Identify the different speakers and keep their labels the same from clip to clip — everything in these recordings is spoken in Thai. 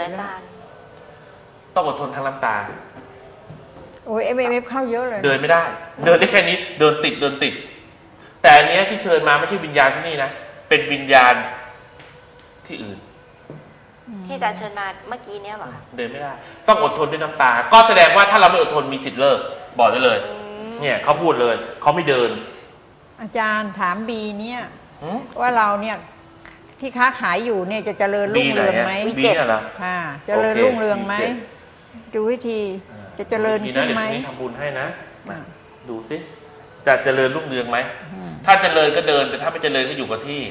Speaker 1: อาจารย์
Speaker 2: ต้องอดทนทั้งน้ำตา
Speaker 3: โอ้ยMMFเข้าเยอะเลย
Speaker 2: เดินไม่ได้เดินได้แค่นี้เดินติดแต่อันนี้ที่เชิญมาไม่ใช่วิญญาณที่นี่นะเป็นวิญญาณที่อื่น
Speaker 1: ที่อาจารย์เชิญมาเมื่อกี้เนี้ยเหรอ
Speaker 2: เดินไม่ได้ต้องอดทนด้วยน้ำตาก็แสดงว่าถ้าเราไม่อดทนมีสิทธิ์เลิกบอกได้เลยเนี่ยเขาพูดเลยเขาไม่เดิน
Speaker 3: อาจารย์ถามบีเนี่ยว่าเราเนี่ยที่ค้าขายอยู่เนี่ยจะเจริญรุ่งเรืองไหม
Speaker 2: บีเนี่ยเหรอ
Speaker 3: เจริญรุ่งเรืองไหมดูวิธีจะเจริญขึ้นไหม
Speaker 2: ทำบุญให้นะดูสิจะเจริญรุ่งเรืองไหมถ้าเจริญก็เดินแต่ถ้าไม่เจริญก็อยู่กับที่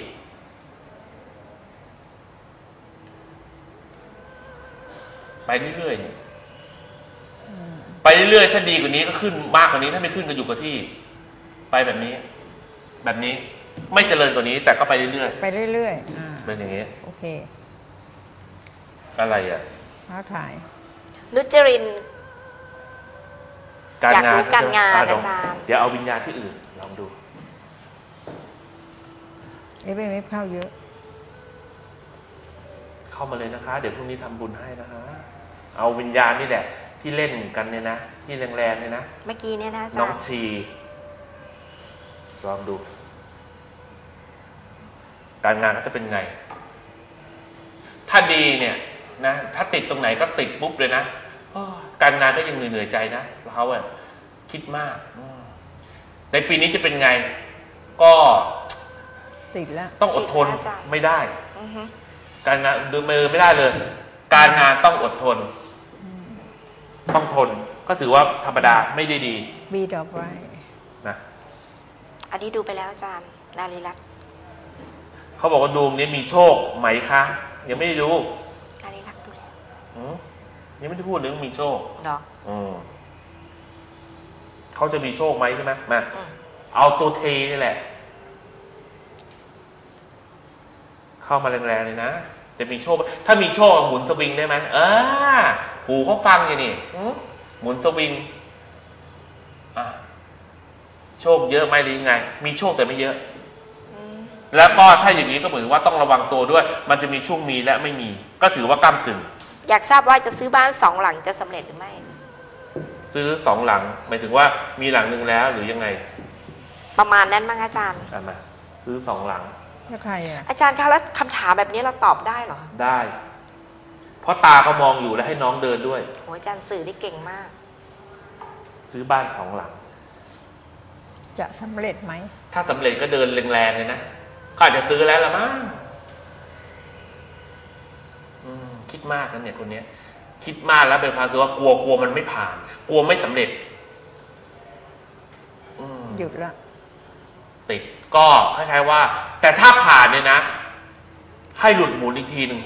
Speaker 2: ไปเรื่อยๆไปเรื่อยๆถ้าดีกว่านี้ก็ขึ้นมากกว่านี้ถ้าไม่ขึ้นก็อยู่กับที่ไปแบบนี้ไม่เจริญกว่านี้แต่ก็ไปเรื่อย
Speaker 3: ๆ
Speaker 2: เป็นอย่างนี้
Speaker 3: โอเค
Speaker 2: อะไรอ่ะ
Speaker 3: ค้าขาย
Speaker 1: นุจริน
Speaker 2: การงาน
Speaker 1: อาจารย์
Speaker 2: เดี๋ยวเอาวิญญาณที่อื่นลองดู
Speaker 3: MMFเข้าเยอะ
Speaker 2: เข้ามาเลยนะคะเดี๋ยวพรุ่งนี้ทำบุญให้นะคะเอาวิญญาณนี่แหละที่เล่นกันเนี่ยนะที่แรงๆเนี่ยนะ
Speaker 1: เมื่อกี้เนี่ยนะอาจารย์
Speaker 2: น้องทีลองดูการงานเขาจะเป็นไงถ้าดีเนี่ยนะถ้าติดตรงไหนก็ติดปุ๊บเลยนะการงานก็ยังเหนื่อยใจนะเขาอะคิดมากในปีนี้จะเป็นไงก็
Speaker 3: ติดแล้ว
Speaker 2: ต้องอดทนไม่ได้การงานดูมือไม่ได้เลยการงานต้องอดทนต้องทนก็ถือว่าธรรมดาไม่ได้ดี
Speaker 3: บีต่อไป
Speaker 2: นะ
Speaker 1: อันนี้ดูไปแล้วอาจารย์นารีรัตน์
Speaker 2: เขาบอกว่าดวงนี้มีโชคไหมคะยังไม่ได้ดู
Speaker 1: นารีรัตน์ดูแล้ว
Speaker 2: ยังไม่ได้พูดเรื่องมีโชค
Speaker 1: เนาะ
Speaker 2: เขาจะมีโชคไหมใช่ไหมมาเอาตัวเทนี่แหละเข้ามาแรงๆเลยนะจะมีโชคถ้ามีโชคหมุนสวิงได้ไหมหูเขาฟังอย่างนี้หมุนสวิงโชคเยอะไหมหรือยังไงมีโชคแต่ไม่เยอะแล้วก็ถ้าอย่างนี้ก็เหมือนว่าต้องระวังตัวด้วยมันจะมีช่วงมีและไม่มีก็ถือว่าก้ำกึ่ง
Speaker 1: อยากทราบว่าจะซื้อบ้าน2 หลังจะสำเร็จหรือไม่
Speaker 2: ซื้อ2 หลังหมายถึงว่ามีหลังนึงแล้วหรือยังไง
Speaker 1: ประมาณนั้นมั้งอาจารย์
Speaker 2: มาซื้อ2 หลัง
Speaker 3: แล้วใครอ่ะ
Speaker 1: อาจารย์คะแล้วคำถามแบบนี้เราตอบได้เหรอ
Speaker 2: ได้เพราะตาก็มองอยู่แล้วให้น้องเดินด้วย
Speaker 1: โอ้อาจารย์สื่อได้เก่งมาก
Speaker 2: ซื้อบ้าน2 หลัง
Speaker 3: จะสำเร็จไหม
Speaker 2: ถ้าสำเร็จก็เดินแรงๆเลยนะก็อาจจะซื้อแล้วละมั้งคิดมากนะเนี่ยคนนี้คิดมากแล้วเป็นความรู้สึกว่ากลัวมันไม่ผ่านกลัวไม่สำเร็จ
Speaker 3: หยุดละ
Speaker 2: ติดก็คล้ายๆว่าแต่ถ้าผ่านเนี่ยนะให้หลุดหมุนอีกทีหนึ่ง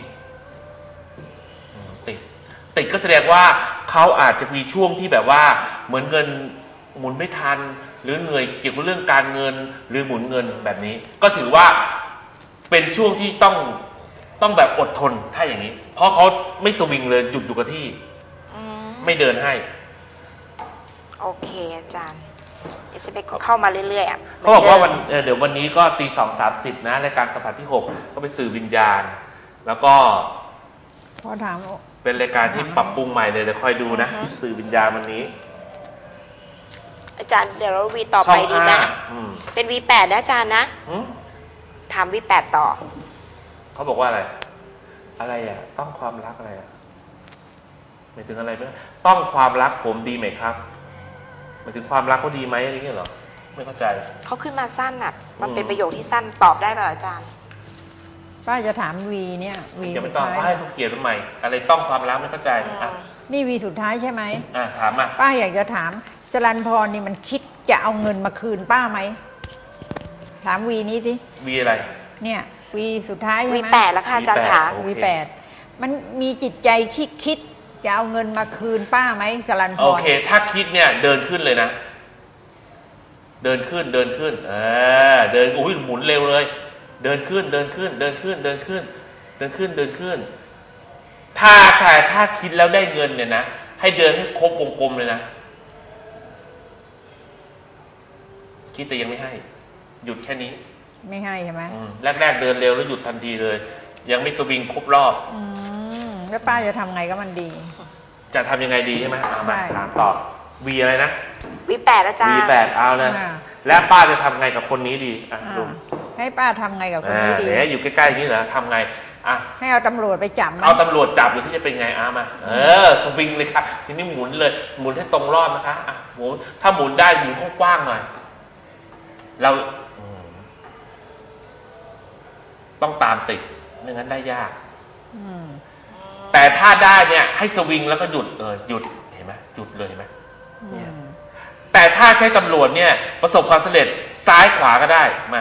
Speaker 2: ติดก็แสดงว่าเขาอาจจะมีช่วงที่แบบว่าเหมือนเงินหมุนไม่ทันหรือเหนื่อยเกี่ยวกับเรื่องการเงินหรือหมุนเงินแบบนี้ก็ถือว่าเป็นช่วงที่ต้องแบบอดทนถ้าอย่างนี้เพราะเขาไม่สวิงเลยหยุดอยู่กับที่ไม่เดินให้
Speaker 1: โอเคอาจารย์SMS เข้ามาเรื่อยๆ
Speaker 2: เขาบอกว่าเดี๋ยววันนี้ก็ตี 2:30นะรายการสัมผัสที่6ก็ไปสื่อวิญญาณแล้วก็
Speaker 3: พอถาม
Speaker 2: เป็นรายการที่ปรับปรุงใหม่เลยเดี๋ยวคอยดูนะสื่อวิญญาณวันนี้
Speaker 1: อาจารย์เดี๋ยวเราวีต่อไปดีไหมเป็น V8 นะอาจารย์นะถาม V8 ต่อ
Speaker 2: เขาบอกว่าอะไรอ่ะต้องความรักอะไรอ่ะหมายถึงอะไรไหมต้องความรักผมดีไหมครับหมายถึงความรักเขาดีไหมอะไรเงี้ยเหรอไม่เข้าใจ
Speaker 1: เขาขึ้นมาสั้นอ่ะมันเป็นประโยคที่สั้นตอบได้ไหมอาจารย์
Speaker 3: ป้าจะถามวีเนี่ยวี
Speaker 2: อย่าไปตอบให้เขาเขียนทำไมอะไรต้องความรักไม่เข้าใจ
Speaker 3: นี่วีสุดท้ายใช่ไหม
Speaker 2: ถามมา
Speaker 3: ป้าอยากจะถามสรัญพรนี่มันคิดจะเอาเงินมาคืนป้าไหมถามวีนี้สิ
Speaker 2: วีอะไร
Speaker 3: เนี่ยวีสุดท้ายใช่ไหม
Speaker 1: V8แล้วค่ะอาจารย์ค่ะ
Speaker 3: V8มันมีจิตใจคิดจะเอาเงินมาคืนป้าไหมสรัญพร
Speaker 2: โอเคถ้าคิดเนี่ยเดินขึ้นเลยนะเดินขึ้นเดินโอ้ยหมุนเร็วเลยเดินขึ้นถ้าคิดแล้วได้เงินเนี่ยนะให้เดินให้ครบวงกลมเลยนะคิดแต่ยังไม่ให้หยุดแค่นี้
Speaker 3: ไม่ให้ใช่ไหม
Speaker 2: แรกเดินเร็วแล้วหยุดทันทีเลยยังไม่สวิงครบรอบ
Speaker 3: แล้วป้าจะทำไงก็มันดี
Speaker 2: จะทำยังไงดีใช่ไหมเอามา
Speaker 3: ใช่
Speaker 2: ถามตอบวีอะไรนะ
Speaker 1: V8 อาจารย์
Speaker 2: V8 เอาเลยและป้าจะทำไงกับคนนี้ดีอ่ะดู
Speaker 3: ให้ป้าทำไงกับคนนี้ดี
Speaker 2: เดี๋ยวอยู่ใกล้ๆอย่างนี้เหรอทำไงอ่ะ
Speaker 3: ให้เอาตำรวจไปจับมัน
Speaker 2: เอาตำรวจจับหรือที่จะเป็นไงมาสวิงเลยครับทีนี้หมุนเลยหมุนให้ตรงรอบนะคะอ่ะหมุนถ้าหมุนได้หมุนกว้างๆหน่อยเราต้องตามติดไม่งั้นได้ยากแต่ถ้าได้เนี่ยให้สวิงแล้วก็หยุดหยุดเห็นไหมหยุดเลยเห็นไหมเนี่ยแต่ถ้าใช้ตำรวจเนี่ยประสบความสำเร็จซ้ายขวาก็ได้มา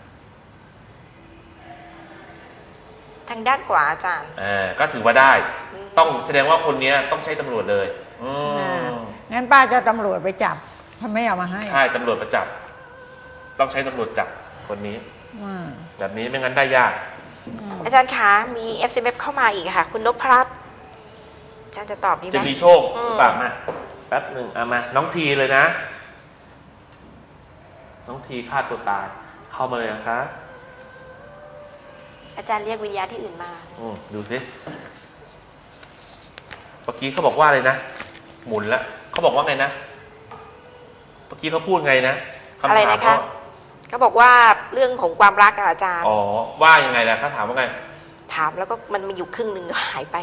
Speaker 1: ทางด้านขวาอาจารย์
Speaker 2: ก็ถือว่าได้ต้องแสดงว่าคนนี้ต้องใช้ตำรวจเลย
Speaker 3: งั้นป้าจะตำรวจไปจับถ้าไม่เอามาให้
Speaker 2: ใช่ตำรวจไปจับต้องใช้ตำรวจจับคนนี้แบบนี้ไม่งั้นได้ยาก
Speaker 1: อาจารย์คะมี SMS เข้ามาอีกค่ะ คุณนพรัตน์อาจารย์จะตอบดีไหม
Speaker 2: จะมีโชคหรือเปล่ามาแป๊บหนึ่งมาน้องทีเลยนะน้องทีฆ่าตัวตายเข้ามาเลยนะคะ
Speaker 1: อาจารย์เรียกวิญญาณที่อื่นมา
Speaker 2: ดูสิเมื่อกี้เขาบอกว่าอะไรนะหมุนแล้วเขาบอกว่าไงนะเมื่อกี้เขาพูดไงนะ
Speaker 1: อะไรนะคะเขาบอกว่าเรื่องของความรักอาจารย์
Speaker 2: ว่ายังไงล่ะเขาถามว่าไง
Speaker 1: ถามแล้วก็มันมีอยู่ครึ่งหนึ่งก็หายไป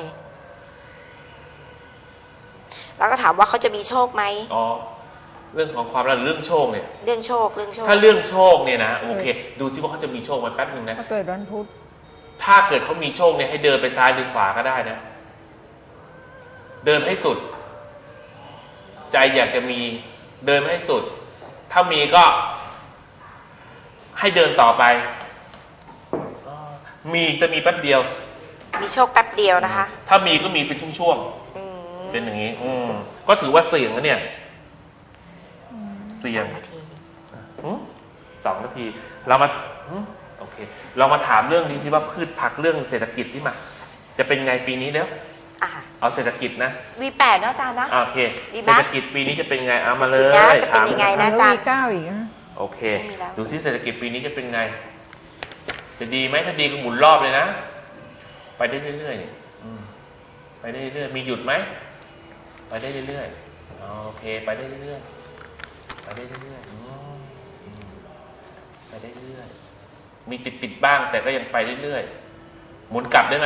Speaker 1: แล้วก็ถามว่าเขาจะมีโชคไหม
Speaker 2: เรื่องของความรักเรื่องโชคเนี่ย
Speaker 1: เรื่องโชค
Speaker 2: ถ้าเรื่องโชคเนี่ยนะโอเคดูซิว่าเขาจะมีโชคไหมแป๊บนึงนะ
Speaker 3: ถ้าเกิดวันพุธ
Speaker 2: ถ้าเกิดเขามีโชคเนี่ยให้เดินไปซ้ายหรือขวาก็ได้นะเดินให้สุดใจอยากจะมีเดินให้สุดถ้ามีก็ให้เดินต่อไปมีจะมีแป๊บเดียว
Speaker 1: มีโชคแป๊บเดียวนะคะ
Speaker 2: ถ้ามีก็มีเป็นช่วงๆเป็นอย่างนี้ก็ถือว่าเสี่ยงนะเนี่ยเสี่ยง2 นาทีเรามาโอเคเรามาถามเรื่องนี้ที่ว่าพืชผักเรื่องเศรษฐกิจที่มาจะเป็นไงปีนี้แล้วเอาเศรษฐกิจนะ
Speaker 1: V8 นะอาจารย์นะ
Speaker 2: โอเคเศรษฐกิจปีนี้จะเป็นไงเอามาเลย
Speaker 1: จะเป็นยังไงนะอาจารย์
Speaker 3: V9อีกนะ
Speaker 2: โอเคดูซิเศรษฐกิจปีนี้จะเป็นไงจะดีไหมถ้าดีก็หมุนรอบเลยนะไปได้เรื่อยๆเนี่ยไปได้เรื่อยๆมีหยุดไหมไปได้เรื่อยๆโอเคไปได้เรื่อยๆไปได้เรื่อยๆไปได้เรื่อยๆมีติดบ้างแต่ก็ยังไปเรื่อยๆหมุนกลับได้ไหม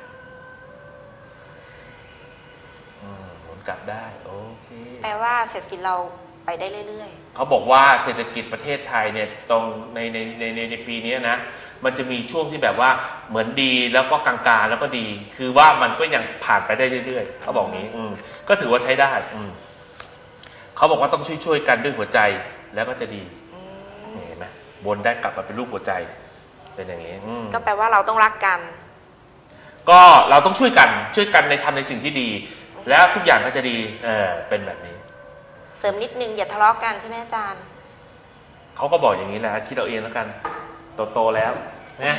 Speaker 2: หมุนกลับได้โอเค
Speaker 1: แปลว่าเศรษฐกิจเราไปได้เรื่อย
Speaker 2: ๆเขาบอกว่าเศรษฐกิจประเทศไทยเนี่ยตรงในปีนี้นะมันจะมีช่วงที่แบบว่าเหมือนดีแล้วก็กลางๆแล้วก็ดีคือว่ามันก็ยังผ่านไปได้เรื่อยๆเขาบอกงี้ก็ถือว่าใช้ได้เขาบอกว่าต้องช่วยกันด้วยหัวใจแล้วก็จะดีเห็นไหมบนได้กลับมาเป็นรูปหัวใจเป็นอย่างนี้
Speaker 1: ก็แปลว่าเราต้องรักกัน
Speaker 2: ก็เราต้องช่วยกันในทำในสิ่งที่ดีแล้วทุกอย่างก็จะดีเป็นแบบนี้
Speaker 1: เสริมนิดนึงอย่าทะเลาะกันใช่ไหมอาจารย์
Speaker 2: เขาก็บอกอย่างนี้แหละคิดเอาเองแล้วกันโตแล้วนะ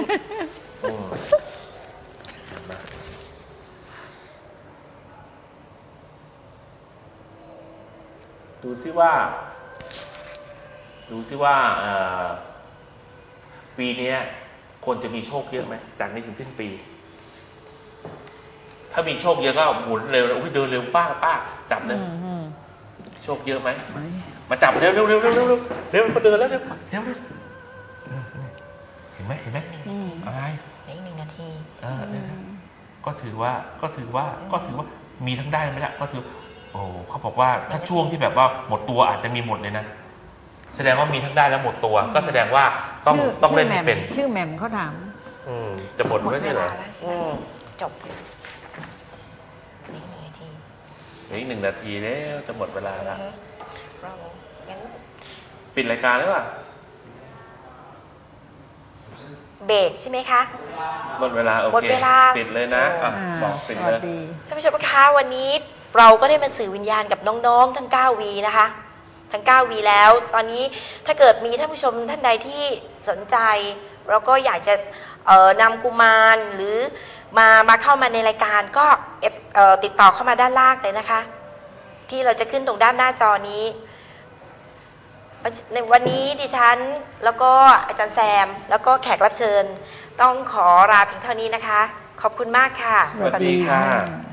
Speaker 2: ดูซิว่าปีนี้คนจะมีโชคเยอะไหมจากนี้ถึงสิ้นปีถ้ามีโชคเยอะก็หมุนเร็วเดินเร็วป้าจับเลยโชคเยอะไหมมาจับเร็วมาเดินแล้วเร็วเห็นไหมอะไร
Speaker 1: อีก1 นาที
Speaker 2: ก็ถือว่ามีทั้งได้ไม่ได้ก็ถือเขาบอกว่าถ้าช่วงที่แบบว่าหมดตัวอาจจะมีหมดเลยนะแสดงว่ามีทั้งได้และหมดตัวก็แสดงว่าต้องเล่นให้เป็น
Speaker 3: ชื่อแหม่มเขาถาม
Speaker 2: จะหมดไม่ใช่เหรอ
Speaker 1: จบ
Speaker 2: อีก1 นาทีแล้วจะหมดเวลาแล้วปิดรายการหรือเปล่า
Speaker 1: เบรกใช่ไหมคะ
Speaker 2: หมดเวลาโอเคปิดเลยนะบอกปิดเลย
Speaker 1: ท่านผู้ชมคะวันนี้เราก็ได้มาสื่อวิญญาณกับน้องๆทั้ง9 วีนะคะทั้ง9 วีแล้วตอนนี้ถ้าเกิดมีท่านผู้ชมท่านใดที่สนใจเราก็อยากจะนำกุมารหรือมาเข้ามาในรายการก็ติดต่อเข้ามาด้านล่างเลยนะคะที่เราจะขึ้นตรงด้านหน้าจอนี้ในวันนี้ดิฉันแล้วก็อาจารย์แซมแล้วก็แขกรับเชิญต้องขอลาเพียงเท่านี้นะคะขอบคุณมากค่ะ
Speaker 2: สวัสดีค่ะ
Speaker 3: สวัสดีค่ะ